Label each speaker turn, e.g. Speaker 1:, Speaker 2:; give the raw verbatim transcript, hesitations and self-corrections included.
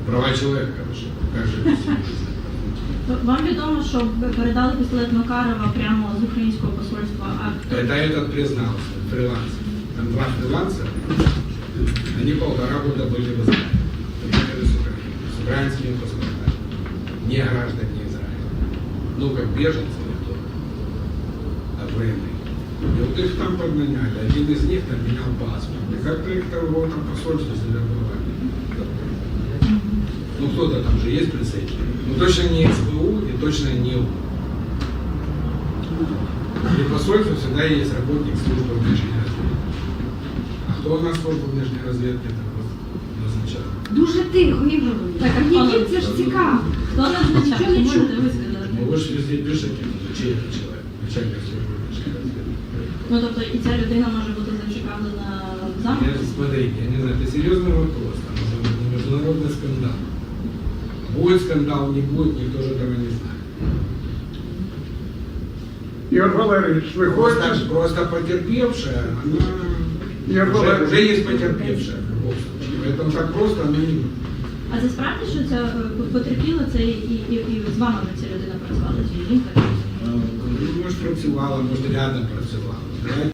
Speaker 1: Права человека, что как же без него?
Speaker 2: Вам відомо, що ви передали пістолет Макарова прямо з українського посольства? А
Speaker 1: Это этот признался, фрилансер. Там два фрилансера, они полтора года были в Израиле. Приехали с Украины, с украинскими паспортами. Не граждане Израиля. Ну, как беженцы то, от войны. И вот их там подменяли. Один из них там менял паспорт. И как-то их там в этом посольстве завербовали. Ну, кто-то там же есть представитель. Ну, точно не СБУ и точно не УПА. И в посольстве всегда есть работник службы внешней разведки. А кто у нас служба внешней разведки такой назначал?
Speaker 3: Дуже тихо, Ігор. Так, а які це ж цікаво.
Speaker 2: хто назначав?
Speaker 3: Нічого не
Speaker 2: Можете
Speaker 3: чую.
Speaker 2: ви сказати?
Speaker 1: Ну, вы же везде пишете, чей это человек, начальник службы внешней разведки.
Speaker 2: Ну, тобто і ця людина може бути зацікавлена в
Speaker 1: Я,
Speaker 2: замку?
Speaker 1: смотрите, я не знаю, это серьезный вопрос, там уже международный скандал. Будет скандал, не будет, никто же этого не знает.
Speaker 4: Ігор Валерійович, ви
Speaker 1: Просто,
Speaker 4: хочете?
Speaker 1: просто потерпевшая, она
Speaker 4: Ігор
Speaker 1: уже,
Speaker 4: Валерійович,
Speaker 1: уже есть потерпевшая в любом случае. Поэтому так просто она не будет.
Speaker 2: А це справді, що ця е, потерпіла, це і, і, і з вами ця людина працювала, чи жінка?
Speaker 1: Ну, может, працювала, может, рядом працювала.